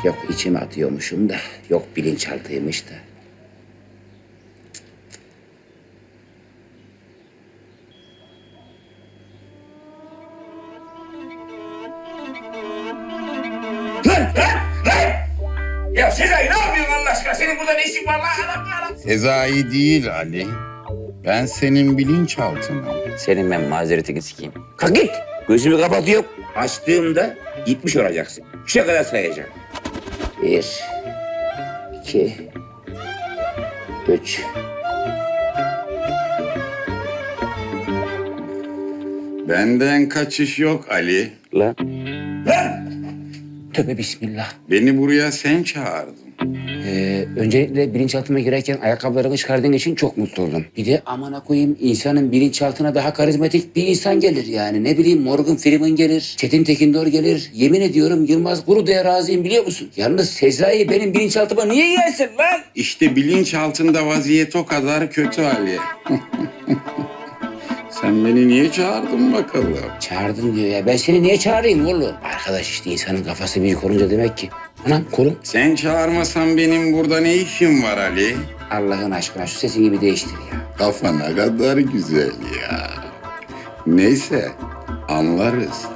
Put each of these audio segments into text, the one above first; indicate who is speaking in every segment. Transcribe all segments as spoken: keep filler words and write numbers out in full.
Speaker 1: Yok içime atıyormuşum da, yok bilinçaltıymış da. Lan lan lan! Ya Sezai ne yapıyorsun Allah aşkına? Senin burada ne işin var lan? Adam ya lan.
Speaker 2: Sezai değil Ali. Ben senin bilinçaltınım.
Speaker 1: Senin ben mazeretini sikeyim. Kalk git. Gözümü kapatıyorum. Açtığımda gitmiş olacaksın. Üçe kadar sayacağım. Bir, iki, üç.
Speaker 2: Benden kaçış yok Ali.
Speaker 1: Lan. Lan! Tövbe bismillah.
Speaker 2: Beni buraya sen çağırdın.
Speaker 1: Ee, öncelikle bilinçaltıma girerken ayakkabılarını çıkardığın için çok mutlu oldum. Bir de amına koyayım insanın bilinçaltına daha karizmatik bir insan gelir yani. Ne bileyim Morgan Freeman gelir, Çetin Tekindor gelir. Yemin ediyorum Yılmaz Guru'ya razıyım biliyor musun? Yalnız Sezai benim bilinçaltıma niye gelsin lan?
Speaker 2: İşte bilinçaltında vaziyet o kadar kötü Ali. Sen beni niye çağırdın bakalım?
Speaker 1: Çağırdın diyor ya. Ben seni niye çağırayım oğlum? Arkadaş işte insanın kafası büyük olunca demek ki. Anam kolum.
Speaker 2: Sen çağırmasan benim burada ne işim var Ali?
Speaker 1: Allah'ın aşkına şu sesini bir değiştir ya.
Speaker 2: Kafa ne kadar güzel ya. Neyse anlarız.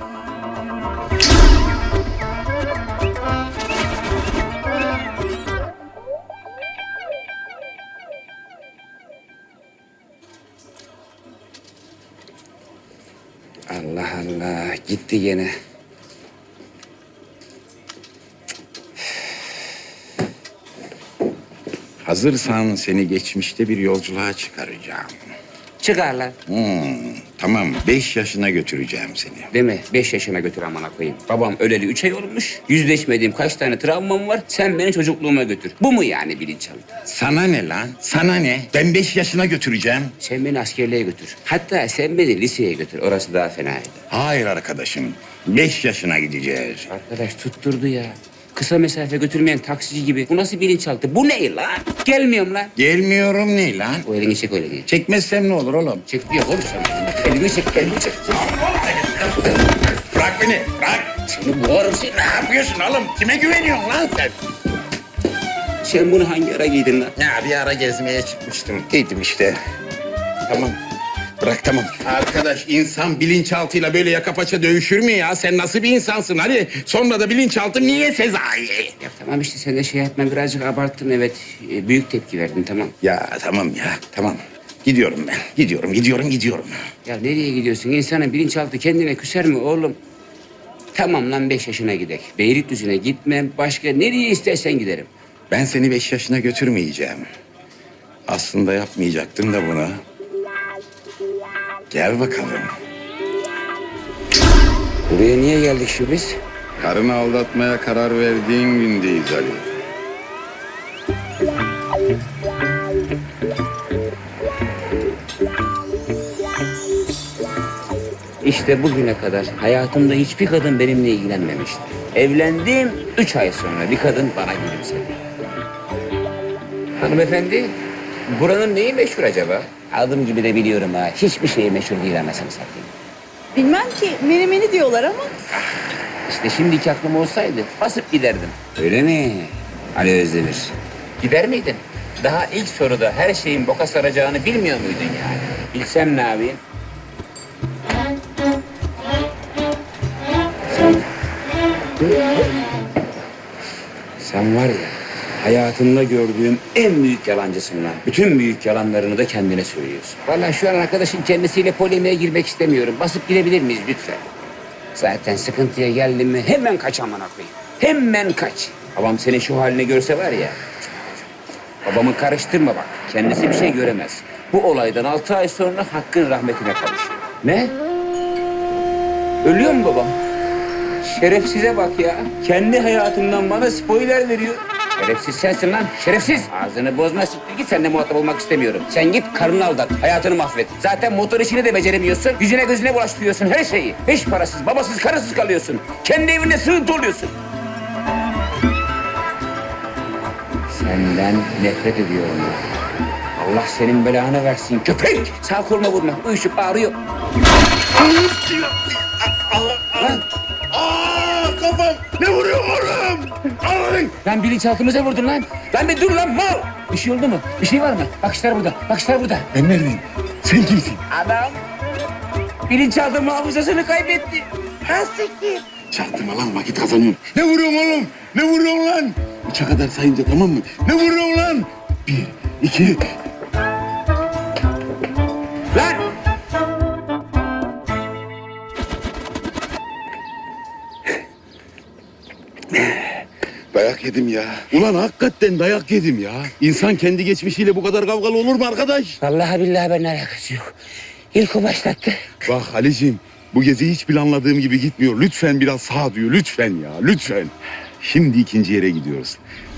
Speaker 1: Allah Allah gitti gene.
Speaker 2: Hazırsan seni geçmişte bir yolculuğa çıkaracağım.
Speaker 1: Çıkar lan.
Speaker 2: Hmm, tamam, beş yaşına götüreceğim seni.
Speaker 1: Değil mi? Beş yaşına götür amına koyayım. Babam öleli üç ay olmuş. Yüzleşmediğim kaç tane travmam var. Sen beni çocukluğuma götür. Bu mu yani bilinçaltı?
Speaker 2: Sana ne lan? Sana ne? Ben beş yaşına götüreceğim.
Speaker 1: Sen beni askerliğe götür. Hatta sen beni liseye götür. Orası daha fenaydı.
Speaker 2: Hayır arkadaşım, beş yaşına gideceğiz.
Speaker 1: Arkadaş tutturdu ya. Kısa mesafe götürmeyen taksici gibi. Bu nasıl bilinçaltı? Bu ne lan? Gelmiyorum lan.
Speaker 2: Gelmiyorum ne lan?
Speaker 1: O elini çek öyle değil.
Speaker 2: Çekmezsem ne olur oğlum?
Speaker 1: Çek diyor oğlum sen. Elini çek, elini çek.
Speaker 2: Bırak beni, bırak.
Speaker 1: Seni boğarım seni.
Speaker 2: Ne yapıyorsun oğlum? Kime güveniyorsun lan sen?
Speaker 1: Sen bunu hangi ara giydin lan?
Speaker 2: Ya bir ara gezmeye çıkmıştım. Giydim işte. Tamam. Bırak tamam. Arkadaş insan bilinçaltıyla böyle yaka paça dövüşür mü ya? Sen nasıl bir insansın? Hadi sonra da bilinçaltı niye Sezai?
Speaker 1: Ya tamam işte sen de şey etme birazcık abarttın evet. Ee, büyük tepki verdin tamam.
Speaker 2: Ya tamam ya tamam. Gidiyorum ben. Gidiyorum, gidiyorum, gidiyorum.
Speaker 1: Ya nereye gidiyorsun? İnsanın bilinçaltı kendine küser mi oğlum? Tamam lan beş yaşına gidek. Beylikdüzü'ne gitmem. Başka nereye istersen giderim.
Speaker 2: Ben seni beş yaşına götürmeyeceğim. Aslında yapmayacaktım da bunu. Gel bakalım.
Speaker 1: Buraya niye geldik şu biz?
Speaker 2: Karını aldatmaya karar verdiğin gündeyiz Ali.
Speaker 1: İşte bugüne kadar hayatımda hiçbir kadın benimle ilgilenmemişti. Evlendim, üç ay sonra bir kadın bana gülümsedi. Hanımefendi, buranın neyi meşhur acaba? Adım gibi de biliyorum ha. Hiçbir şeyi meşhur değil anasını satayım.
Speaker 3: Bilmem ki menemeni diyorlar ama.
Speaker 1: İşte şimdiki aklım olsaydı basıp giderdim. Öyle mi? Ali Özdemir. Gider miydin? Daha ilk soruda her şeyin boka saracağını bilmiyor muydun yani? Bilsem ne yapayım? Sen... Sen var ya, hayatımda gördüğüm en büyük yalancısın lan. Bütün büyük yalanlarını da kendine söylüyorsun. Vallahi şu an arkadaşın kendisiyle polemiğe girmek istemiyorum. Basıp gidebilir miyiz lütfen? Zaten sıkıntıya geldim mi hemen kaç amına koyayım. Hemen kaç. Babam senin şu halini görse var ya. Babamı karıştırma bak. Kendisi bir şey göremez. Bu olaydan altı ay sonra Hakk'ın rahmetine kavuşuyor. Ne? Ölüyor mu babam? Şerefsize bak ya. Kendi hayatımdan bana spoiler veriyor. Şerefsiz sensin lan, şerefsiz. Ağzını bozma, siktir git, seninle muhatap olmak istemiyorum. Sen git karını aldat, hayatını mahvet. Zaten motor işini de beceremiyorsun. Yüzüne gözüne bulaştırıyorsun her şeyi. Hiç parasız, babasız, karısız kalıyorsun. Kendi evinde sığıntı oluyorsun. Senden nefret ediyorum. Allah senin belanı versin köpek. Sağ koluna vurma, uyuşup ağrıyor.
Speaker 2: Allah Allah.
Speaker 1: Lan.
Speaker 2: Aa kafam. Ne vuruyor oğlum? Aa! lan?
Speaker 1: Lan bilinçaltımıza vurdun lan. Lan bir dur lan mal. Bir şey oldu mu? Bir şey var mı? Bakışlar burada. Bakışlar burada.
Speaker 2: Ben neredeyim? Sen kimsin?
Speaker 1: Adam bilinçaltı hafızasını kaybetti. Nasıl ki?
Speaker 2: Çaktırma lan vakit kazanıyorum. Ne vuruyorsun oğlum? Ne vuruyorsun lan? Üçe kadar sayınca tamam mı? Ne vuruyorsun lan? Bir, iki...
Speaker 1: Lan!
Speaker 2: Dayak yedim ya. Ulan hakikaten dayak yedim ya. İnsan kendi geçmişiyle bu kadar kavgalı olur mu arkadaş?
Speaker 1: Vallahi billahi ben alakası yok. İlk o başlattı.
Speaker 2: Bak Ali'ciğim, bu gezi hiç planladığım gibi gitmiyor. Lütfen biraz sağduyu, lütfen ya, lütfen. Şimdi ikinci yere gidiyoruz.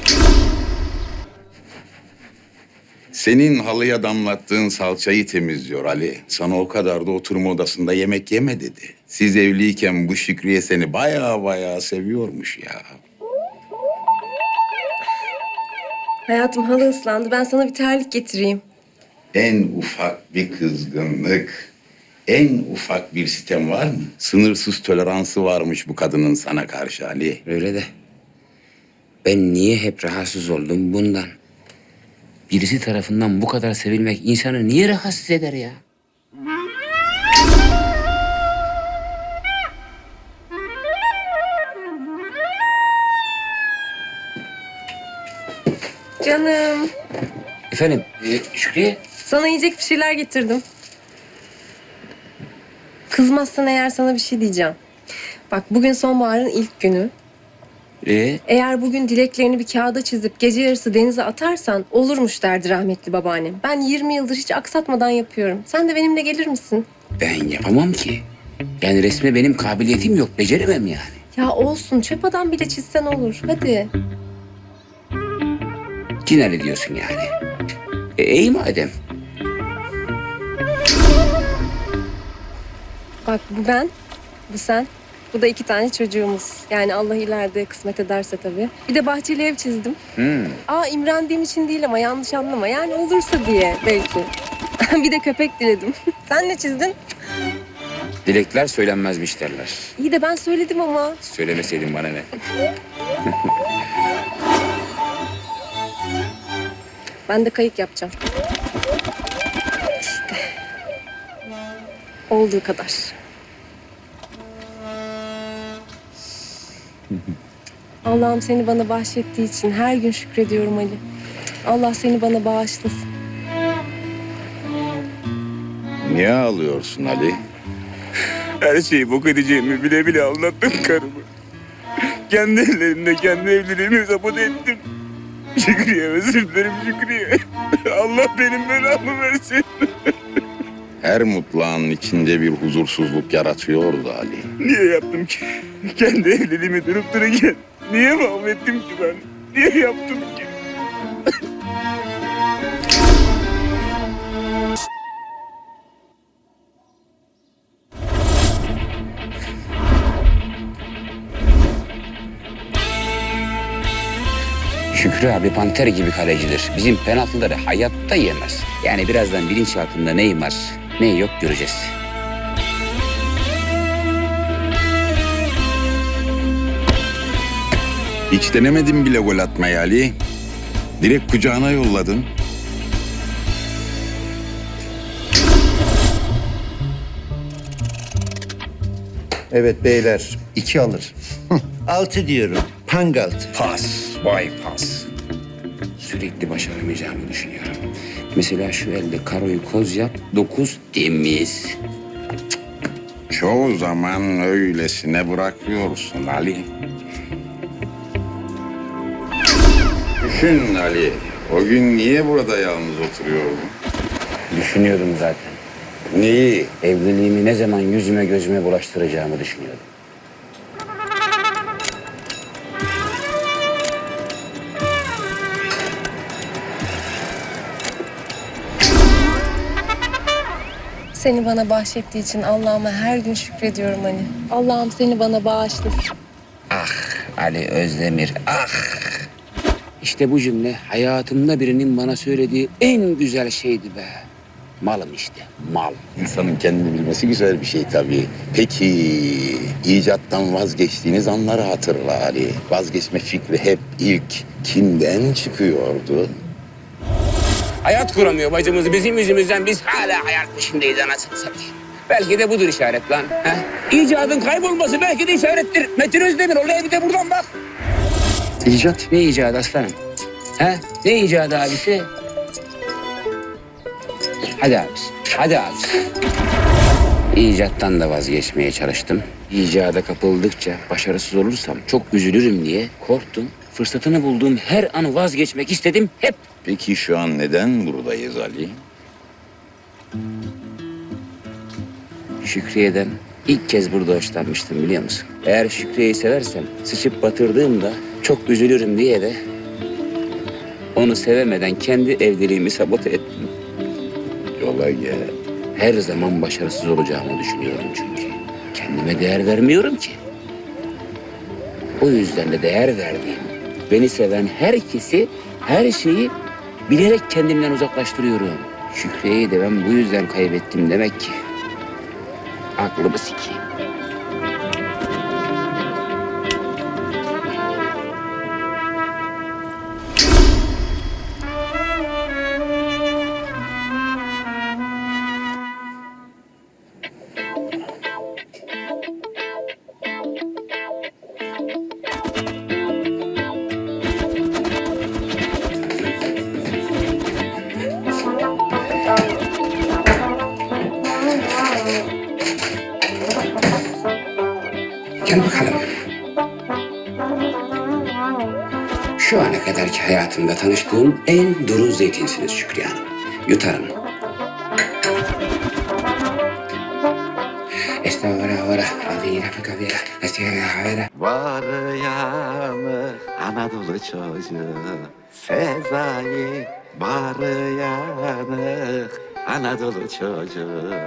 Speaker 2: Senin halıya damlattığın salçayı temizliyor Ali. Sana o kadar da oturma odasında yemek yeme dedi. Siz evliyken bu Şükriye seni baya baya seviyormuş ya.
Speaker 4: Hayatım halı ıslandı. Ben sana bir terlik getireyim.
Speaker 2: En ufak bir kızgınlık, en ufak bir sitem var mı? Sınırsız toleransı varmış bu kadının sana karşı Ali.
Speaker 1: Öyle de ben niye hep rahatsız oldum bundan? Birisi tarafından bu kadar sevilmek insanı niye rahatsız eder ya?
Speaker 4: Canım,
Speaker 1: Efendim e, Şükriye?
Speaker 4: sana yiyecek bir şeyler getirdim. Kızmazsan eğer sana bir şey diyeceğim. Bak bugün sonbaharın ilk günü.
Speaker 1: E,
Speaker 4: Eğer bugün dileklerini bir kağıda çizip gece yarısı denize atarsan olurmuş derdi rahmetli babaannem. Ben yirmi yıldır hiç aksatmadan yapıyorum. Sen de benimle gelir misin?
Speaker 1: ben yapamam ki. Yani resme benim kabiliyetim yok. Beceremem yani.
Speaker 4: Ya olsun çöp adam bile çizsen olur. Hadi.
Speaker 1: Cinayet ediyorsun yani. E, iyi madem.
Speaker 4: Bak bu ben, bu sen. Bu da iki tane çocuğumuz. Yani Allah ileride kısmet ederse tabii. Bir de bahçeli ev çizdim.
Speaker 1: Hmm.
Speaker 4: Aa imrendiğim için değil ama yanlış anlama. Yani olursa diye belki. Bir de köpek diledim. Sen ne çizdin?
Speaker 1: Dilekler söylenmezmiş derler.
Speaker 4: İyi de ben söyledim ama.
Speaker 1: Söylemeseydin bana ne?
Speaker 4: Ben de kayık yapacağım. İşte. Olduğu kadar. Allah'ım seni bana bahşettiği için her gün şükrediyorum Ali. Allah seni bana bağışlasın.
Speaker 2: Niye ağlıyorsun Ali?
Speaker 5: Her şeyi bok edeceğimi bile bile anlattım karımı. Kendi ellerimle kendi evliliğimi sabote ettim. Şükriye, özür dilerim Şükriye. Allah benim belamı versin.
Speaker 2: Her mutlu anın içinde bir huzursuzluk yaratıyordu Ali.
Speaker 5: Niye yaptım ki? Kendi evliliğimi durup dururken niye mahvettim ki ben? Niye yaptım ki?
Speaker 1: Şükrü abi panter gibi kalecidir. Bizim penaltıları hayatta yemez. Yani birazdan bilinçaltında neyim var, ne yok göreceğiz.
Speaker 2: Hiç denemedin bile gol atmayı Ali. Direkt kucağına yolladın.
Speaker 6: Evet beyler, iki alır. Altı diyorum, pangalt.
Speaker 1: Pas, vay pas. Sürekli başaramayacağımı düşünüyorum. Mesela şu elde karoyu koz yap, dokuz temiz.
Speaker 2: Çoğu zaman öylesine bırakıyorsun Ali. Düşün Ali, o gün niye burada yalnız oturuyordun?
Speaker 1: Düşünüyordum zaten.
Speaker 2: Neyi?
Speaker 1: Evliliğimi ne zaman yüzüme gözüme bulaştıracağımı düşünüyordum.
Speaker 4: Seni bana bahşettiği için Allah'ıma her gün şükrediyorum Ali. Allah'ım seni bana bağışlasın.
Speaker 1: Ah Ali Özdemir, ah! İşte bu cümle hayatımda birinin bana söylediği en güzel şeydi be. Malım işte, mal.
Speaker 2: İnsanın kendini bilmesi güzel bir şey tabii. Peki icattan vazgeçtiğiniz anları hatırla Ali. Vazgeçme fikri hep ilk kimden çıkıyordu?
Speaker 1: Hayat kuramıyor bacımız bizim yüzümüzden. Biz hala hayat peşindeyiz anasını satayım. Belki de budur işaret lan. Ha? İcadın kaybolması belki de işarettir. Metin Özdemir olaya bir de buradan bak.
Speaker 2: İcat.
Speaker 1: Ne icadı aslanım? Ha? Ne icadı abisi? Hadi abisi, hadi abisi. İcattan da vazgeçmeye çalıştım. İcada kapıldıkça başarısız olursam çok üzülürüm diye korktum. Fırsatını bulduğum her an vazgeçmek istedim hep.
Speaker 2: Peki şu an neden buradayız Ali?
Speaker 1: Şükriye'den ilk kez burada hoşlanmıştım biliyor musun? Eğer Şükriye'yi seversem sıçıp batırdığımda çok üzülürüm diye de onu sevemeden kendi evliliğimi sabote ettim.
Speaker 2: Yola gel.
Speaker 1: Her zaman başarısız olacağımı düşünüyorum çünkü. Kendime değer vermiyorum ki. O yüzden de değer verdiğim, beni seven herkesi, her şeyi bilerek kendimden uzaklaştırıyorum. Şükriye'yi de ben bu yüzden kaybettim demek ki. Aklımı sikeyim. Gel bakalım. Şu ana kadarki hayatımda tanıştığım en duru zeytinsiniz Şükriye Hanım. Yutarım. Estağfurullah. Avira fekavira. Estağfurullah.
Speaker 7: Var yanı Anadolu çocuğu Sezai var yanı Anadolu çocuğu